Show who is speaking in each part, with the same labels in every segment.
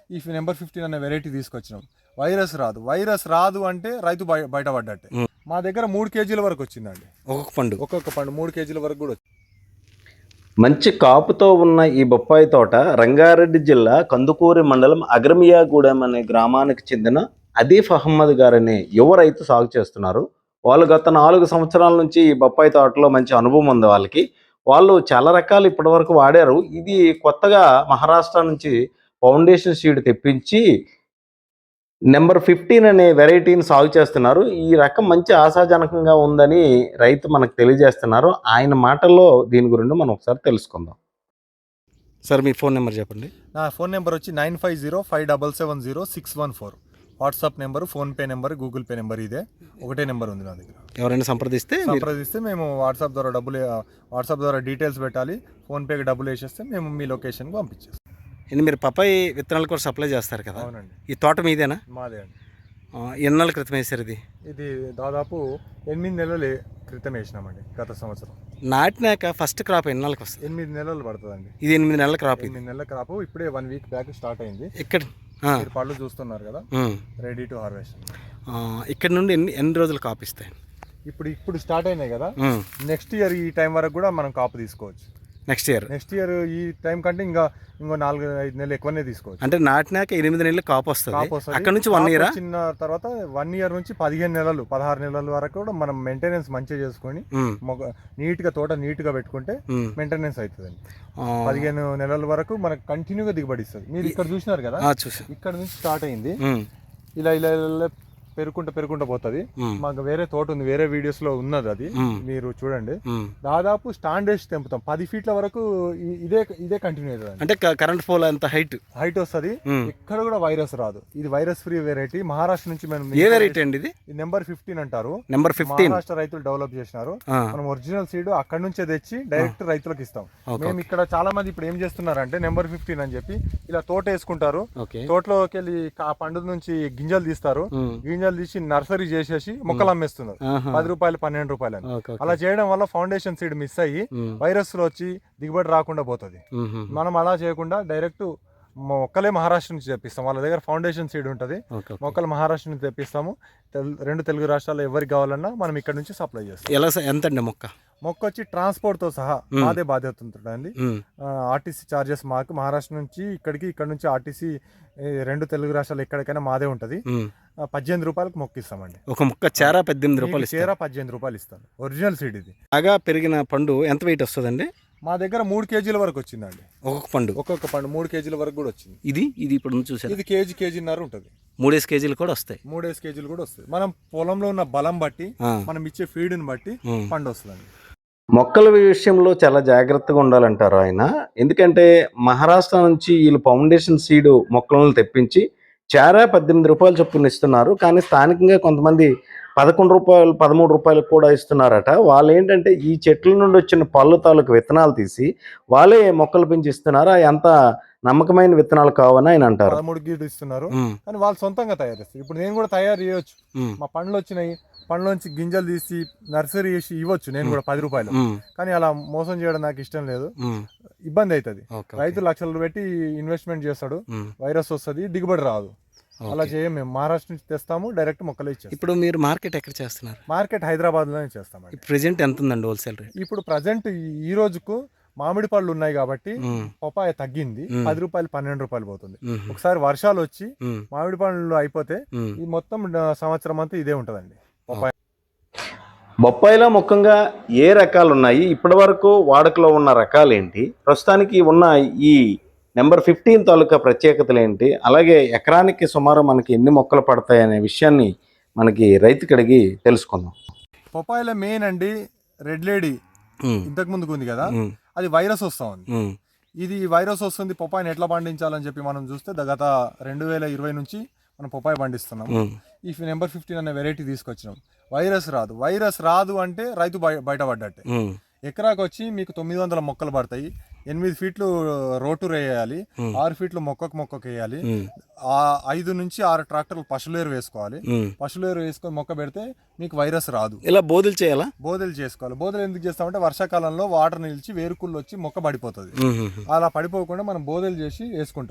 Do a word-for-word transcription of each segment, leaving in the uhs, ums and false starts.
Speaker 1: ఈ number fifteen అనే variety తీసుకొచ్చినాం. వైరస్ రాదు వైరస్ రాదు అంటే రైతు బయ బయటపడ్డట్టే. మా దగ్గర మూడు కేజీల వరకు వచ్చిందండి
Speaker 2: ఒక్కొక్క పండు
Speaker 1: ఒక్కొక్క పండు మూడు కేజీల వరకు కూడా.
Speaker 2: మంచి కాపుతో ఉన్న ఈ బొప్పాయి తోట రంగారెడ్డి జిల్లా కందుకూరి మండలం అగ్రమియాగూడెం అనే గ్రామానికి చెందిన అదీఫ్ అహ్మద్ గారనే యువ రైతు సాగు చేస్తున్నారు. వాళ్ళు గత నాలుగు సంవత్సరాల నుంచి ఈ బొప్పాయి తోటలో మంచి అనుభవం ఉంది వాళ్ళకి. వాళ్ళు చాలా రకాలు ఇప్పటివరకు వాడారు. ఇది కొత్తగా మహారాష్ట్ర నుంచి ఫౌండేషన్ సీడ్ తెప్పించి నెంబర్ ఫిఫ్టీన్ అనే వెరైటీని సాగు చేస్తున్నారు. ఈ రకం మంచి ఆశాజనకంగా ఉందని రైతు మనకు తెలియజేస్తున్నారు. ఆయన మాటల్లో దీని గురించి మనం ఒకసారి తెలుసుకుందాం. సార్ మీ ఫోన్ నెంబర్ చెప్పండి.
Speaker 1: నా ఫోన్ నెంబర్ వచ్చి nine five zero five double seven zero six one four. WhatsApp number, PhonePe number, Google Pay number ఇదే ఒకటే నెంబర్ ఉంది నా దగ్గర.
Speaker 2: ఎవరైనా సంప్రదిస్తే
Speaker 1: సంప్రదిస్తే మేము వాట్సాప్ ద్వారా డబ్బులు వాట్సాప్ ద్వారా డీటెయిల్స్ పెట్టాలి. ఫోన్పేకి డబ్బులు వేసేస్తే మేము మీ లొకేషన్కి పంపించేస్తాం.
Speaker 2: ఇది మీరు పప్పాయి విత్తనాలు కూడా సప్లై చేస్తారు కదా?
Speaker 1: అవునండి.
Speaker 2: ఈ తోట మీదేనా?
Speaker 1: మాదే అండి.
Speaker 2: ఎన్ని నెలల క్రితం వేసారు ఇది?
Speaker 1: ఇది దాదాపు ఎనిమిది నెలలు క్రితం వేసినామండి గత సంవత్సరం.
Speaker 2: నాటినాక ఫస్ట్ క్రాప్ ఎన్ని నెలలకు వస్తుంది?
Speaker 1: ఎనిమిది నెలలు పడుతుందండి.
Speaker 2: ఇది ఎనిమిది నెలల క్రాప్.
Speaker 1: ఎనిమిది నెలల క్రాప్ ఇప్పుడే వన్ వీక్ బ్యాక్ స్టార్ట్ అయింది.
Speaker 2: ఇక్కడ
Speaker 1: మీరు పళ్ళు చూస్తున్నారు కదా, రెడీ టు హార్వెస్ట్.
Speaker 2: ఇక్కడ నుండి ఎన్ని ఎన్ని రోజులు కాపు ఇస్తాయి?
Speaker 1: ఇప్పుడు ఇప్పుడు స్టార్ట్ అయినాయి కదా, నెక్స్ట్ ఇయర్ ఈ టైం వరకు కూడా మనం కాపు తీసుకోవచ్చు.
Speaker 2: నెక్స్ట్ ఇయర్
Speaker 1: నెక్స్ట్ ఇయర్ ఈ టైం కంటే ఇంకా ఇంకో నాలుగు ఐదు నెలలు ఎక్కువనే తీసుకోవచ్చు.
Speaker 2: అంటే నాటినాక ఎనిమిది నెలలు కాపు వస్తుంది. అక్కడ నుంచి వన్ ఇయర్
Speaker 1: చిన్న తర్వాత వన్ ఇయర్ నుంచి పదిహేను నెలలు పదహారు నెలల వరకు కూడా మనం మెయింటెనెన్స్ మంచిగా చేసుకొని నీట్ గా తోట నీట్ గా పెట్టుకుంటే మెయింటెనెన్స్ అవుతుందండి. పదిహేను నెలల వరకు మనకు కంటిన్యూగా దిగుబడి ఇస్తుంది. మీరు ఇక్కడ చూసినారు కదా, ఇక్కడ నుంచి స్టార్ట్ అయింది, ఇలా ఇలా ఇలా పెరుగుకుంటూ పెరుగుకుంటూ పోతుంది. మాకు వేరే తోట ఉంది, వేరే వీడియోస్ లో ఉన్నది, అది మీరు చూడండి. దాదాపు స్టాండ్ వేసి తెంపుతాం. పది ఫీట్ల వరకు ఇదే ఇదే కంటిన్యూ అవుతుంది.
Speaker 2: అంటే కరెంట్ పోల్ అంత హైట్
Speaker 1: హైట్ వస్తుంది. ఇక్కడ కూడా వైరస్ రాదు. ఇది వైరస్ ఫ్రీ వెరైటీ. మహారాష్ట్ర నుంచి మనం
Speaker 2: ఏ వెరైటీ అండి ఇది?
Speaker 1: నెంబర్ ఫిఫ్టీన్ అంటారు.
Speaker 2: నెంబర్ ఫిఫ్టీన్
Speaker 1: మహారాష్ట్ర రైతులు డెవలప్ చేసినారు. మనం ఒరిజినల్ సీడ్ అక్కడ నుంచే తెచ్చి డైరెక్ట్ రైతులకు ఇస్తాం. మేము ఇక్కడ చాలా మంది ఇప్పుడు ఏం చేస్తున్నారంటే నెంబర్ ఫిఫ్టీన్ అని చెప్పి ఇలా తోట వేసుకుంటారు. తోటలోకి వెళ్ళి ఆ పండు నుంచి గింజలు తీస్తారు. గింజలు తీసి నర్సరీ చేసేసి మొక్కలు అమ్మేస్తున్నారు పది రూపాయలు పన్నెండు రూపాయలు అని. అలా చేయడం వల్ల ఫౌండేషన్ సీడ్ మిస్ అయ్యి వైరస్ లో వచ్చి దిగుబడి రాకుండా పోతుంది. మనం అలా చేయకుండా డైరెక్ట్ మొక్కలే మహారాష్ట్ర నుంచి తెప్పిస్తాం. వాళ్ళ దగ్గర ఫౌండేషన్ సీడ్ ఉంటుంది. మొక్కలు మహారాష్ట్ర నుంచి తెప్పిస్తాము. రెండు తెలుగు రాష్ట్రాల్లో ఎవరికి కావాలన్నా మనం ఇక్కడ నుంచి సప్లై చేస్తాం.
Speaker 2: ఎలా ఎంత అండి మొక్క?
Speaker 1: మొక్క వచ్చి ట్రాన్స్పోర్ట్ తో సహా మాదే బాధ్యత ఉంటుందండి. ఆర్టీసీ చార్జెస్ మాకు మహారాష్ట్ర నుంచి ఇక్కడికి, ఇక్కడ నుంచి ఆర్టీసీ రెండు తెలుగు రాష్ట్రాలు ఎక్కడికైనా మాదే ఉంటది. పద్దెనిమిది రూపాయలకు మొక్క ఇస్తామండి.
Speaker 2: ఒక మొక్క చేరా పద్దెనిమిది రూపాయలు
Speaker 1: చేరా పద్దెనిమిది రూపాయలు ఇస్తాను. ఒరిజినల్ సీడ్ ఇది.
Speaker 2: బాగా పెరిగిన పండు ఎంత వెయిట్ వస్తుందండి?
Speaker 1: మా దగ్గర మూడు కేజీల వరకు వచ్చిందండి.
Speaker 2: ఒక్కొక్క పండు
Speaker 1: ఒక్కొక్క పండు మూడు కేజీల వరకు కూడా వచ్చింది.
Speaker 2: ఇది ఇది ఇప్పుడు చూసారు,
Speaker 1: ఇది కేజీ కేజీన్నర ఉంటుంది.
Speaker 2: మూడేసి కేజీలు కూడా వస్తాయి.
Speaker 1: మూడేసి కేజీలు కూడా వస్తాయి. మనం పొలంలో ఉన్న బలం బట్టి, మనం ఇచ్చే ఫీడ్ని బట్టి పండు వస్తుందండి.
Speaker 2: మొక్కల విషయంలో చాలా జాగ్రత్తగా ఉండాలంటారు ఆయన. ఎందుకంటే మహారాష్ట్ర నుంచి వీళ్ళు ఫౌండేషన్ సీడ్ మొక్కలను తెప్పించి చారా పద్దెనిమిది రూపాయలు చొప్పున ఇస్తున్నారు. కానీ స్థానికంగా కొంతమంది పదకొండు రూపాయలు పదమూడు రూపాయలకు కూడా ఇస్తున్నారట. వాళ్ళు ఏంటంటే ఈ చెట్ల నుండి వచ్చిన పళ్ళు తాలూకు విత్తనాలు తీసి వాళ్ళే మొక్కలు పెంచి ఇస్తున్నారు. అవి అంత నమ్మకమైన విత్తనాలు కావని ఆయన అంటారు.
Speaker 1: పదమూడు గీడు ఇస్తున్నారు కానీ వాళ్ళు సొంతంగా తయారు చేస్తారు. ఇప్పుడు నేను కూడా తయారు చేయొచ్చు. మా పండ్లు వచ్చినాయి, పండ్లోంచి గింజలు తీసి నర్సరీ చేసి ఇవ్వచ్చు నేను కూడా పది రూపాయలు. కానీ అలా మోసం చేయడం నాకు ఇష్టం లేదు, ఇబ్బంది అవుతుంది. రైతు లక్షలు పెట్టి ఇన్వెస్ట్మెంట్ చేస్తాడు, వైరస్ వస్తుంది, దిగుబడి రాదు. అలా చేయం. మేము మహారాష్ట్ర నుంచి తెస్తాము, డైరెక్ట్ మొక్కలు ఇచ్చాము.
Speaker 2: ఇప్పుడు మీరు మార్కెట్ ఎక్కడ చేస్తున్నారు?
Speaker 1: మార్కెట్ హైదరాబాద్ లోనే చేస్తామండి.
Speaker 2: ప్రెజెంట్ ఎంత ఉందండి హోల్సేల్ రేట్?
Speaker 1: ఇప్పుడు ప్రజెంట్ ఈ రోజుకు మామిడి పళ్ళు ఉన్నాయి కాబట్టి పపాయ తగ్గింది, పది రూపాయలు పన్నెండు రూపాయలు పోతుంది. ఒకసారి వర్షాలు వచ్చి మామిడి పళ్ళు అయిపోతే ఈ మొత్తం సంవత్సరం అంతా ఇదే ఉంటదండి పపాయ.
Speaker 2: బొప్పాయిలో ముఖ్యంగా ఏ రకాలు ఉన్నాయి, ఇప్పటి వరకు వాడుకలో ఉన్న రకాలు ఏంటి, ప్రస్తుతానికి ఉన్న ఈ నెంబర్ ఫిఫ్టీన్ తాలూకా ప్రత్యేకతలు ఏంటి, అలాగే ఎకరానికి సుమారు మనకి ఎన్ని మొక్కలు పడతాయి అనే విషయాన్ని మనకి రైతుకి అడిగి తెలుసుకుందాం.
Speaker 1: పపాయలో మెయిన్ అండి రెడ్ లేడీ ఇంతకు ముందుకు ఉంది కదా, అది వైరస్ వస్తా ఉంది. ఇది వైరస్ వస్తుంది, పపాయని ఎట్లా పండించాలని చెప్పి మనం చూస్తే గత రెండు వేల ఇరవై నుంచి మనం పపాయ పండిస్తున్నాం. ఈ నెంబర్ ఫిఫ్టీన్ అనే వెరైటీ తీసుకొచ్చినాం. వైరస్ రాదు వైరస్ రాదు అంటే రైతు బయటపడ్డట్టే. ఎకరాకు వచ్చి మీకు తొమ్మిది వందల మొక్కలు పడతాయి. ఎనిమిది ఫీట్లు రోటూరు వేయాలి, ఆరు ఫీట్లు మొక్కకు మొక్కకు వేయాలి. ఆ ఐదు నుంచి ఆరు ట్రాక్టర్లు పశువులేరు వేసుకోవాలి. పశువులేరు వేసుకొని మొక్క పెడితే మీకు వైరస్ రాదు.
Speaker 2: ఇలా బోధలు చేయాలా?
Speaker 1: బోధలు చేసుకోవాలి. బోధలు ఎందుకు చేస్తామంటే వర్షాకాలంలో వాటర్ నిలిచి వేరుకుళ్ళు వచ్చి మొక్క పడిపోతుంది. అలా పడిపోకుండా మనం బోధలు చేసి వేసుకుంటాం.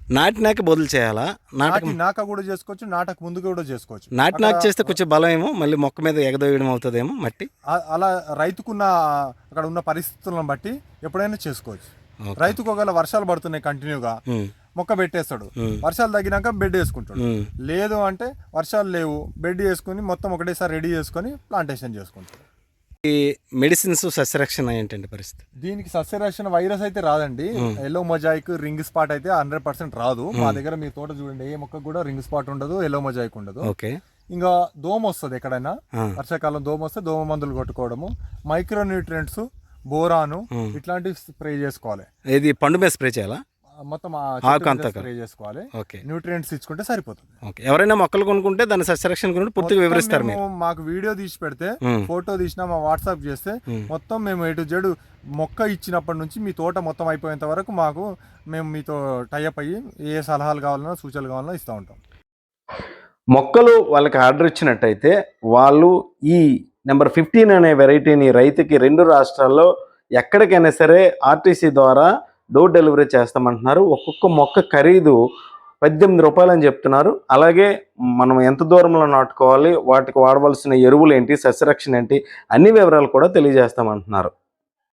Speaker 3: నాటినాక బదులు చేయాలా? నాటక
Speaker 1: నాటి నాక కూడా చేసుకోవచ్చు, నాటక ముందు కూడా చేసుకోవచ్చు.
Speaker 3: నాటినాక చేస్తే కొంచెం బలం ఏమో మళ్ళీ మొక్క మీద ఎగదోయడం అవుతుందేమో మట్టి.
Speaker 1: ఆ- అలా రైతుకున్న అక్కడ ఉన్న పరిస్థితులను బట్టి ఎప్పుడైనా చేసుకోవచ్చు. రైతుకు ఒకవేళ వర్షాలు పడుతున్నాయి కంటిన్యూగా, మొక్క పెట్టేస్తాడు, వర్షాలు తగ్గినాక బెడ్ వేసుకుంటాడు. లేదు అంటే వర్షాలు లేవు, బెడ్ వేసుకుని మొత్తం ఒకటేసారి రెడీ చేసుకొని ప్లాంటేషన్ చేసుకుంటాడు.
Speaker 3: ఈ మెడిసిన్స్ సస్యరక్షణ ఏంటంటే పరిస్థితి?
Speaker 1: దీనికి సస్యరక్షణ వైరస్ అయితే రాదండి. ఎల్లో మొజాయిక్, రింగ్ స్పాట్ అయితే హండ్రెడ్ పర్సెంట్ రాదు. మా దగ్గర మీ తోట చూడండి, ఏ మొక్క కూడా రింగ్ స్పాట్ ఉండదు, ఎల్లో మొజాయిక్ ఉండదు.
Speaker 3: ఓకే.
Speaker 1: ఇంకా దోమ వస్తుంది ఎక్కడైనా, వర్షాకాలం దోమ వస్తే దోమ మందులు కొట్టుకోవడము, మైక్రో న్యూట్రియంట్స్, బోరాను ఇట్లాంటివి స్ప్రే చేసుకోవాలి.
Speaker 3: ఇది పండు మీద స్ప్రే చేయాలా?
Speaker 1: మొత్తం స్ప్రే చేసుకోవాలి.
Speaker 3: ఓకే.
Speaker 1: న్యూట్రియంట్స్ ఇచ్చుకుంటే సరిపోతుంది.
Speaker 3: ఓకే. ఎవరైనా మొక్కలు కొనుక్కుంటే దాని సస్యరక్షణ గురించి పూర్తిగా వివరిస్తారు మీరు.
Speaker 1: మాకు వీడియో తీసి పెడితే, ఫోటో తీసినా మా వాట్సాప్ చేస్తే మొత్తం మేము ఎటు జడు మొక్క ఇచ్చినప్పటి నుంచి మీ తోట మొత్తం అయిపోయేంత వరకు మాకు మేము మీతో టైఅప్ అయ్యి ఏ సలహాలు కావాలన్నా సూచనలు కావాలన్నా ఇస్తూ ఉంటాం.
Speaker 2: మొక్కలు వాళ్ళకి ఆర్డర్ ఇచ్చినట్టయితే వాళ్ళు ఈ నెంబర్ ఫిఫ్టీన్ అనే వెరైటీని రైతుకి రెండు రాష్ట్రాల్లో ఎక్కడికైనా సరే ఆర్టీసీ ద్వారా డోర్ డెలివరీ చేస్తామంటున్నారు. ఒక్కొక్క మొక్క ఖరీదు పద్దెనిమిది రూపాయలు అని చెప్తున్నారు. అలాగే మనం ఎంత దూరంలో నాటుకోవాలి, వాటికి వాడవలసిన ఎరువులు ఏంటి, సస్యరక్షణ ఏంటి, అన్ని వివరాలు కూడా తెలియజేస్తామంటున్నారు.